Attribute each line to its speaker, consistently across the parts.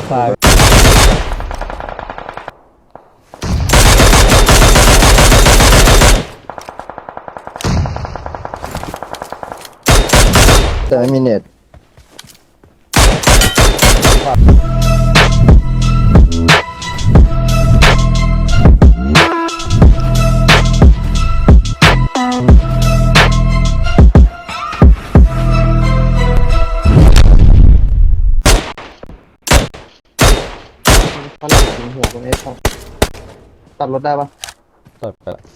Speaker 1: ซ้าย
Speaker 2: แต่ไม่มีเน็ตฝรั่งยิงหัวตรงนี้ครับตัดรถได้ปะ
Speaker 1: ตัดไปละ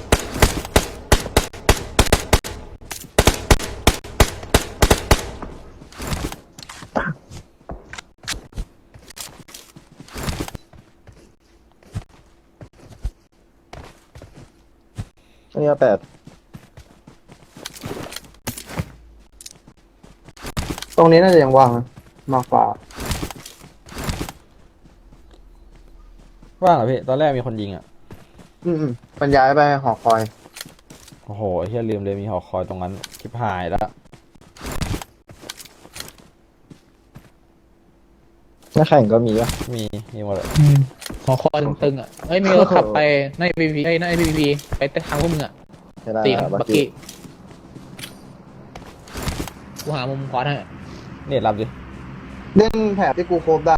Speaker 2: อันนี้8ตรงนี้น่าจะยังว่างนะมากกว่า
Speaker 1: ว่างเหรอพี่ตอนแรกมีคนยิงอ่ะ
Speaker 2: มันย้ายไปหอคอย
Speaker 1: โอ้โหเฮียลืมเลยมีหอคอยตรงนั้นชิบหายแล้ว
Speaker 2: หน้าแข่งก็มีวะ
Speaker 1: มีหมดเลย
Speaker 3: หอคอยตึงๆอ่ะเอ้ยมีรถขับไปในพีพีในพีพีไปทางพวกมึงอ่ะ
Speaker 2: ไม่ได้
Speaker 3: ตี
Speaker 2: นะ
Speaker 3: บักกี้กูหามุมขวาให้
Speaker 1: นี่รับดิ
Speaker 2: เล่นแถบที่กูโคบได้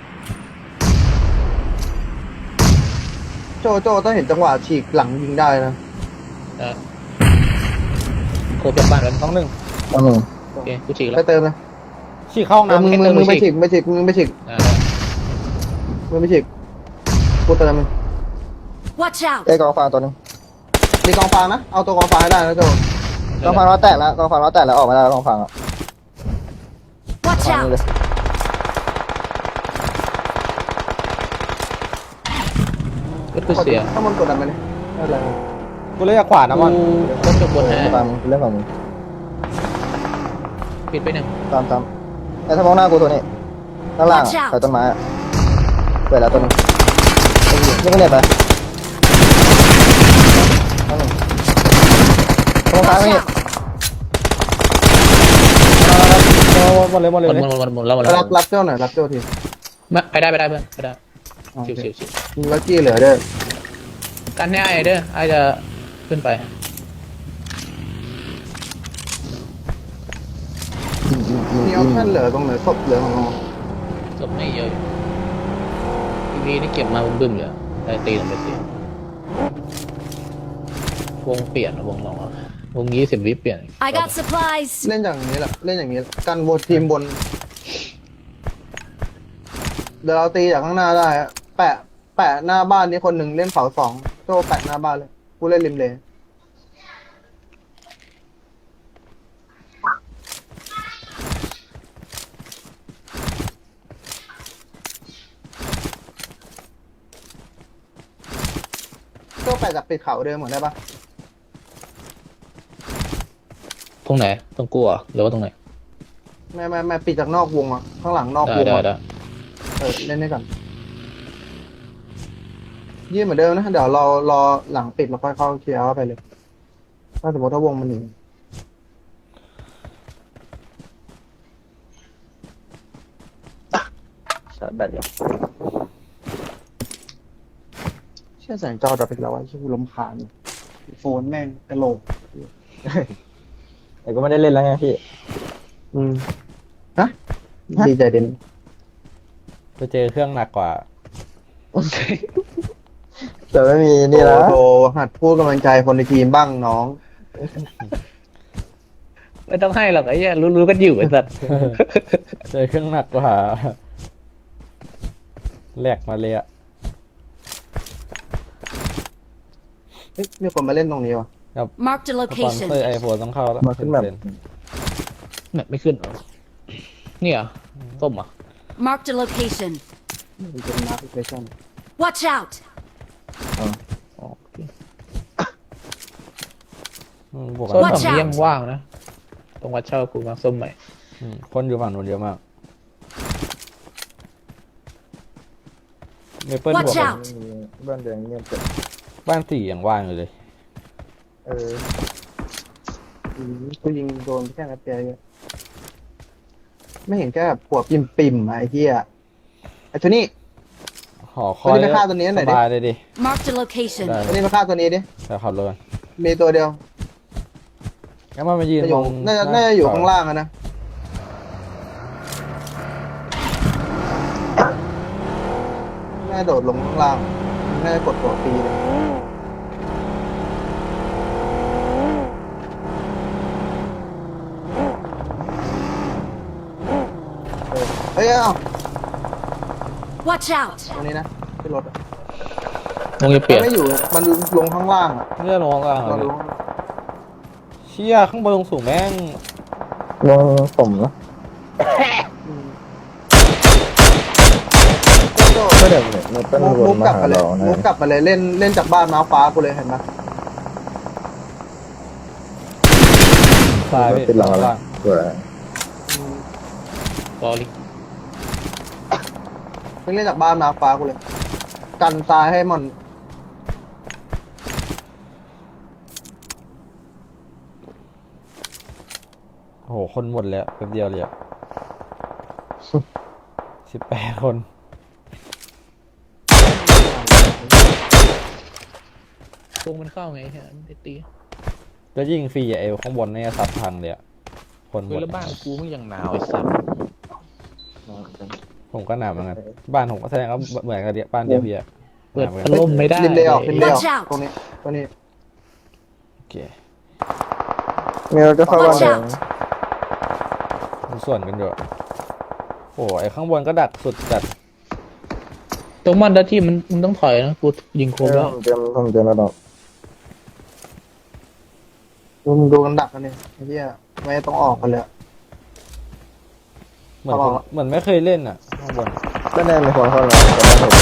Speaker 2: โจถ้าเห็นจังหวะฉีกหลังยิงได้นะ
Speaker 3: โคบจากบ้านแล้ว
Speaker 1: ต้องหนึ่ง
Speaker 3: โอเคกูฉีกแล้
Speaker 2: ไป
Speaker 3: ว
Speaker 2: เติมนะ
Speaker 1: ฉีกเข้าห้องน้ำ
Speaker 2: มึง
Speaker 1: ให้
Speaker 2: มึ
Speaker 1: เติ
Speaker 2: ง
Speaker 1: ม
Speaker 2: มึง
Speaker 1: ไป
Speaker 2: ไป
Speaker 1: ฉี
Speaker 2: ฉี
Speaker 1: ก
Speaker 2: กไม่ฉีกมึงไปฉีก
Speaker 3: อ่า
Speaker 2: มึงไปฉีกกูเติมมึง
Speaker 4: Watch out!
Speaker 2: ไอ้กองฟางตัวนึงมีกองฟางนะเอาตัวกองฟางให้ได้นะโจกองฟางล้อแตกแล้วกองฟางล้อแตกแล้วออกมาได้แล้วกองฟางอ่ะ
Speaker 4: Watch
Speaker 2: ฟางนี่
Speaker 4: out!
Speaker 2: เลย
Speaker 3: รถกูเสีย
Speaker 2: ถ้ามันกดดันไปเลยไม่เป็นไร
Speaker 1: กูเลยจากขวานะมัน
Speaker 3: รถจบบนให้
Speaker 2: ตามมึงเรื่องของมึง
Speaker 3: ปิดไปหนึ่ง
Speaker 2: ตามไอ้ถ้ามองหน้ากูตัวนี้ด้านล่าง
Speaker 4: Watch out
Speaker 2: ใส่ต้นไม้อะเปิดแล้วตัวนึงนี่ก็เน็ตไปตรงกลาง
Speaker 4: Watch
Speaker 2: นี่
Speaker 4: out!
Speaker 1: หมดเลยหมดเลย
Speaker 3: หมดแล้วหมดแล้ว
Speaker 2: รับเจ้าหน่อยรับเจ้าที
Speaker 3: ไปได้เพื่อนไปได้ชิว
Speaker 2: มีลักกี้เหลือเด้อ
Speaker 3: กันให้ไอ้เด้อไอ้จะขึ้นไป
Speaker 2: มีออปชั่นเหลือตรงไหนศพเหลือของเรา
Speaker 3: จบไม่เยอะพีพีนี่เก็บมาบึ้มๆเลยได้ตีลงไปตีวงเปลี่ยนวงลองวง20 วิเปลี่ยน
Speaker 4: I got supplies!
Speaker 2: เล่นอย่างนี้แหละเล่นอย่างนี้กันบนทีมบนเดี๋ยวเราตีจากข้างหน้าได้อะแปะหน้าบ้านนี้คนหนึ่งเล่นเสา2โจ้แปะหน้าบ้านเลยกูเล่นริมเลนโจ้แปะจากปิดเขาเดิมเหมือนได้ปะ
Speaker 3: ตรงไหนตรงกูเหรอหรือว่าตรงไหน
Speaker 2: ไม่ปิดจากนอกวงอ่ะข้างหลังนอกวง
Speaker 3: ได้
Speaker 2: อะ เล่นได้ก่อนยื่นเหมือนเดิมนะเดี๋ยวเรารอหลังปิดเราค่อยเข้าเคลียร์เข้าไปเลย ถ้าสมมติถ้าวงมันหนีชาร์จแบตอยู่เชื่อแสงจอดับไปแล้วว่าชื่อกูรำคาญโฟนแม่งกระโหลกแต่ก็ไม่ได้เล่นแล้วไงพี่ฮะดีใจเด่น
Speaker 1: ไปเจอเครื่องหนักกว่า
Speaker 2: แต่ไม่มีนี่แล้วโทรหัดพูดกำลังใจคนในทีมบ้างน้อง
Speaker 3: ไม่ต้องให้หรอกไอ้เหี้ยรู้ๆกันอยู่ไอ้สัตว์
Speaker 1: เจอเครื่องหนักกว่าแหลกมาเลยอะ
Speaker 2: เฮ้ยมีคนมาเล่นตรงนี้วะ
Speaker 4: Marked a
Speaker 1: สปอนเซอ
Speaker 4: location.
Speaker 1: ร์ไอโฟนต้องเข้าแล้ว
Speaker 2: มาขึ้นแบบ
Speaker 3: แบบไม่ขึ้นเหรอนี่เหรอส้มเหรอ
Speaker 4: Marked a location.
Speaker 2: มันเป็นมาร์คเพชั่น
Speaker 4: Watch out!
Speaker 1: บวก
Speaker 3: ส้ม
Speaker 1: กัน
Speaker 3: ฝั่งนี้ยังว่างนะตรงวัดเช่ากูมาส้มใหม่
Speaker 1: คนอยู่ฝั่งนู้นเยอะมากเมเปิลบวก
Speaker 4: Watch
Speaker 1: กัน
Speaker 4: out!
Speaker 2: บ้านแดงเงียบจัด
Speaker 1: บ้านสี่อย่างว่างอยู่เลย
Speaker 2: กูยิงโดนแค่นัดเดียวเองไม่เห็นแค่แบบปวดปิ่มๆอะไอ้เหี้ยไอ้ตัวนี้
Speaker 1: หอคอย
Speaker 2: ตัวนี้ไปฆ่าตัวนี้หน่อยดิ
Speaker 1: สบายเลยดิ
Speaker 4: Marked a location.
Speaker 1: ได้
Speaker 2: ตัวนี้มาฆ่าตัวนี้ดิ
Speaker 1: แต่ขับรถก่อน
Speaker 2: มีตัวเดียว
Speaker 1: งั้นมันมายืน
Speaker 2: จะอ
Speaker 1: ต
Speaker 2: ยู่
Speaker 1: รง
Speaker 2: น่าจะอยู่ข้างล่างอะนะน่าจะโดดลงข้างล่างน่าจะกดตัวปีเลยเฮ้ยเอ้า
Speaker 4: Watch out!
Speaker 2: ตัวนี้นะที่รถอะ
Speaker 3: คงจะเปลี่ยน
Speaker 2: ไม่อยู่มันลงข้างล่างอะ
Speaker 1: เนี่ยลงกลาง
Speaker 2: เรา
Speaker 1: เล
Speaker 2: ดู
Speaker 1: ยเชี่ยข้างบนลงสูงแม่ง
Speaker 5: ลงผมนะ
Speaker 2: อืม
Speaker 5: ก็เดี๋ยวมันเป็น
Speaker 2: มุ
Speaker 5: ว
Speaker 2: ก
Speaker 5: นมาก
Speaker 2: ลับ
Speaker 5: หา
Speaker 2: มาเลย
Speaker 5: เรานะ
Speaker 2: มุกกลับมาเลยเล่นจากบ้านม้าฟ้ากูเลยเห็นไหม
Speaker 1: ซ้ายพี่
Speaker 5: ติดหลัง
Speaker 1: ข้าง
Speaker 5: แล้
Speaker 1: ล่าว ง
Speaker 5: สวย
Speaker 3: สอรี่
Speaker 2: เล่นจากบ้านม้าฟ้ากูเลย กันซ้ายให้มัน
Speaker 1: โอ้โหคนหมดแล้วแป๊บเดียวเลยอะ18 คน
Speaker 3: ตรงมันเข้าไงฮะมันได้ตี
Speaker 1: แล้วยิงฟรีอะเอวข้างบนเนี่ยซัดพังเลยอะคนหม
Speaker 3: เฮ้ย
Speaker 1: ด
Speaker 3: แล้วบ้านกูมึงยังหนาวไอ้สัส
Speaker 1: ผมก็หนาวเหมือนกันบ้านผมก็แสดงว่าเหมือนกันเดียบ้านเดียวพี่อะ
Speaker 3: เปิด
Speaker 1: หนาวเหมือน
Speaker 3: พั
Speaker 1: กั
Speaker 3: ด
Speaker 1: น
Speaker 3: ลมไม่ได้
Speaker 2: ริมเลยออกริมเลยออก
Speaker 4: Watch out
Speaker 2: ตรงนี้ตัวนี้
Speaker 1: โอเค
Speaker 5: มีเราจะเข้าบ้าน
Speaker 4: Watch
Speaker 5: แดง
Speaker 4: out
Speaker 1: มันส่วนกันอยู่โอ้โหไอ้ข้างบนก็ดักสุดจัด
Speaker 3: ตรงมันแล้วที่มันต้องถอยนะกูยิงโคมแล้ว
Speaker 5: ผมเจอแล้วดอก
Speaker 2: ดูกันดักกันเนี่ยไอ้เหี้ยไม่ต้องออกกันเลยอะ
Speaker 1: เหมือน
Speaker 2: เขา
Speaker 1: ผ
Speaker 2: บ
Speaker 1: ม
Speaker 2: อก
Speaker 1: เหมือนไม่เคยเล่นอ่ะข้างบน
Speaker 5: บ้านแดงมีคนเข้าแล้วแต่บ้านผม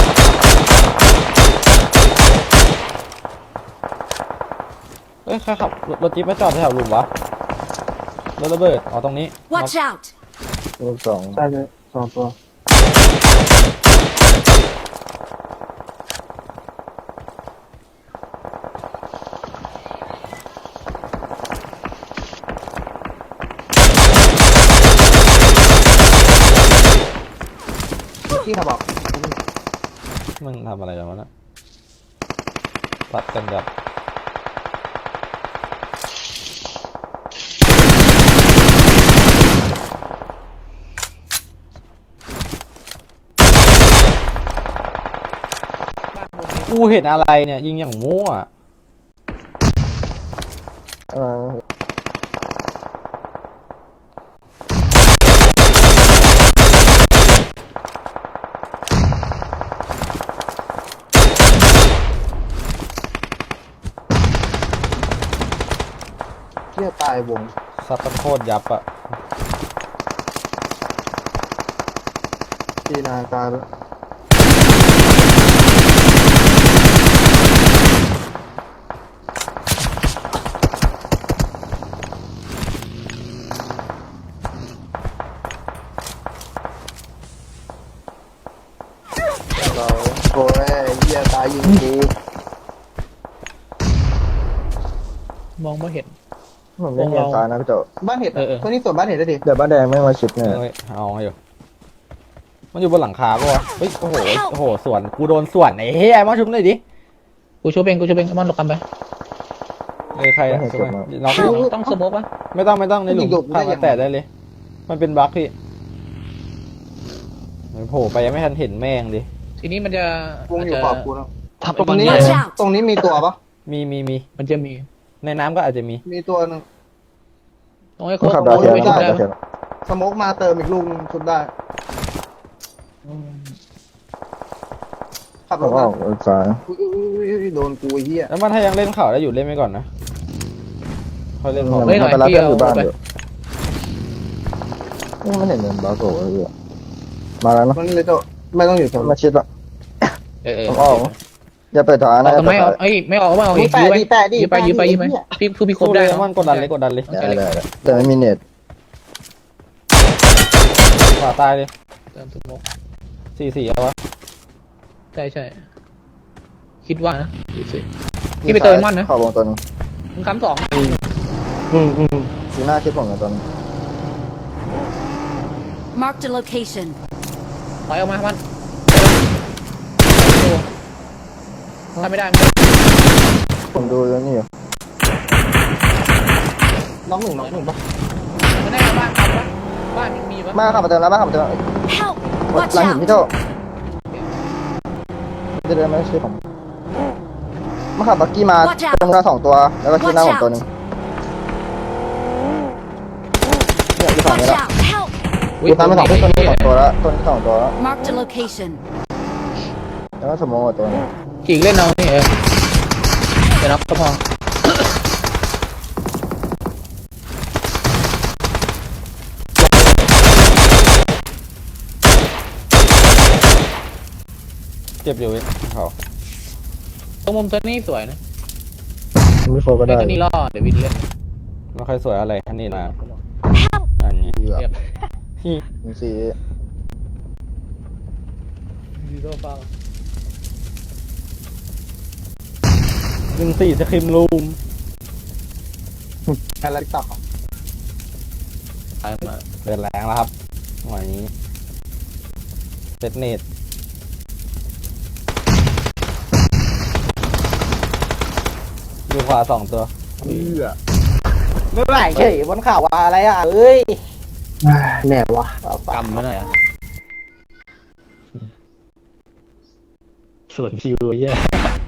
Speaker 1: เอ้ยใครขับรถจิ๊บมาจอดแถวหลุมวะรถระเบิดอ๋อตรงนี้
Speaker 4: Watch out!
Speaker 5: ลูกสอง
Speaker 2: ใช่เลยสองตัวที่เขาบอก
Speaker 1: มันทำอะไรกันวะนะตัดกันแบบกูเห็นอะไรเนี่ย ยิงอย่างมั่ว
Speaker 5: อ่า
Speaker 2: เที่ยตายวง
Speaker 1: ซัดตะโคตรยับอะ
Speaker 2: ที่นาการแล้วโอ้ยเหี้ยตายยิงกู
Speaker 3: มองไม่เห็น
Speaker 5: ผมไม่เห็นซ้ายนะพี่โจ
Speaker 2: บ้านเห็ด
Speaker 3: เออ
Speaker 2: ตัวนี้ส่วนบ้านเห็ดได้ดิ
Speaker 5: เดี๋ยวบ้านแดงไม่มาชิดเนี่ย
Speaker 1: เฮ้ยเอาให้อยู่มันอยู่บนหลังคาปะวะเฮ้ยโอ้โหโอ้โหสวนกูโดนสวนไอ้เฮ้ยมาชุบหน่อยดิ
Speaker 3: กูช่วยเองมันหลบกันไป
Speaker 1: เอ้ยใครอะชุบหน่อยน้องพี่
Speaker 3: ต้องสโมกปะ
Speaker 1: ไม่ต้องในหลุมพามาแตะได้เลย มันเป็นบั๊กพี่มันโผล่ไปยังไม่ทันเห็นแม่งดิ
Speaker 3: ทีนี้มันจะ
Speaker 2: วงอยู่ขอบกูแล้ว
Speaker 3: ทับ
Speaker 2: ตรงนี้
Speaker 4: Watch out
Speaker 2: ตรงนี้มีตัวปะ
Speaker 1: มี
Speaker 3: มันจะมี
Speaker 1: ในน้ำก็อาจจะมี
Speaker 2: มีตัวหนึง
Speaker 3: ต้องให้
Speaker 5: ต้
Speaker 3: เขา
Speaker 5: องขับดาวเทียม
Speaker 3: ไม่
Speaker 5: ขับ
Speaker 3: ได้
Speaker 5: ดาวเทียม
Speaker 2: สโมกมาเติมอีกลูกนึงชุดได้ขับ
Speaker 5: ผ
Speaker 2: ร
Speaker 5: ม
Speaker 2: ถ
Speaker 5: อ
Speaker 2: มา
Speaker 5: อกซ้าย
Speaker 2: อุ้ยโดนกูไอ้เหี้ย
Speaker 1: แล้วมันถ้ายังเล่นข่าวได้อยู่เล่นไปก่อนนะค่อยเล่นพอ
Speaker 5: มันไปรับเพื่อนอยู่บ้านอยู่นี่มันเห็นเงินบาโก้เลยมาแล้วนะ
Speaker 2: มันเลยจะไม่ต้องอยู่แถว
Speaker 5: มาชิดละ ผมออก อย่าไปถอย
Speaker 3: อ
Speaker 5: นะ
Speaker 3: อกทำไมเอาเอ้ยไม่ออกไม่ออกอีกยื้อไปยื้อไปพี่คือพี่ครบ
Speaker 1: สู้
Speaker 3: ได้
Speaker 1: เลยมันกดดันเลย
Speaker 5: ได้แต่ไม่มีเน็ต
Speaker 1: ขวาตายเลย
Speaker 3: เติมสโมก
Speaker 1: 4-4เอาวะ
Speaker 3: ใช่คิดว่านะพี่ไปเติมมันนะ
Speaker 5: เข้าวงตัวนึง
Speaker 3: มึงค้ำสอง
Speaker 5: สีหน้าคิดผมกับตัวนึง
Speaker 4: Marked a location.
Speaker 3: ถอยออกมามันถ้าไม่ได้ไม่ได้
Speaker 5: ผมดูแล้วนี่อยู่
Speaker 2: น้องหนึ่งปะ
Speaker 3: ไม่ได้บ้านทำปะบ้านมีปะ
Speaker 5: มาขับมาเติมแล้วมาขับมาเติม
Speaker 4: Help!
Speaker 5: ห
Speaker 4: Watch
Speaker 5: ลังหินพี่
Speaker 4: out!
Speaker 5: โตจะเดินไม่ใช่ผมมาขับบักกี้มา
Speaker 4: Watch out
Speaker 5: ตรงหน้า2 ตัวแล้วก็ที่หน้าผมตัวหนึ่งเนี่ยอยู่ฝั่ง
Speaker 4: Watch
Speaker 5: นี้แล้ว
Speaker 4: out! Help!
Speaker 5: อยู่ซ้ายมา2 ตัวนี้2 ตัวแล้วตัวนี้2 ตัวแล้ว
Speaker 4: Marked a location.
Speaker 5: แล้วก็สมองกับตัวนี้
Speaker 3: ฉีกเล่นเอานี่เดี๋ยวนับก็พอ
Speaker 1: เจ็บอยู่เว้ยเขา
Speaker 3: ตรงมุมตัวนี้สวยนะ
Speaker 5: ไม่โฟก็
Speaker 3: เล่
Speaker 5: ได้
Speaker 3: นตัวนี้ล่อเดี๋ยววินเล่น
Speaker 1: ไม่ค่อยสวยอะไรอันนี้นะ
Speaker 4: Help!
Speaker 1: อันนี้
Speaker 5: เกือบ
Speaker 3: เรียบ
Speaker 5: มีสี
Speaker 3: ดีโซ่เปล่า
Speaker 1: 14สคริมรูม
Speaker 2: อะไรตับ
Speaker 3: ตายมา
Speaker 1: เดินแรงแล้วครับหน่วยนี้เซตเนตอยู่ขวา2 ตัว ไม่ไหวเฉยบนข่าวว่าอะไรอ่ะเอ้ย
Speaker 2: แน่วะ
Speaker 3: กำไม่หน่อยอ่ะส่วนคิวเยอะ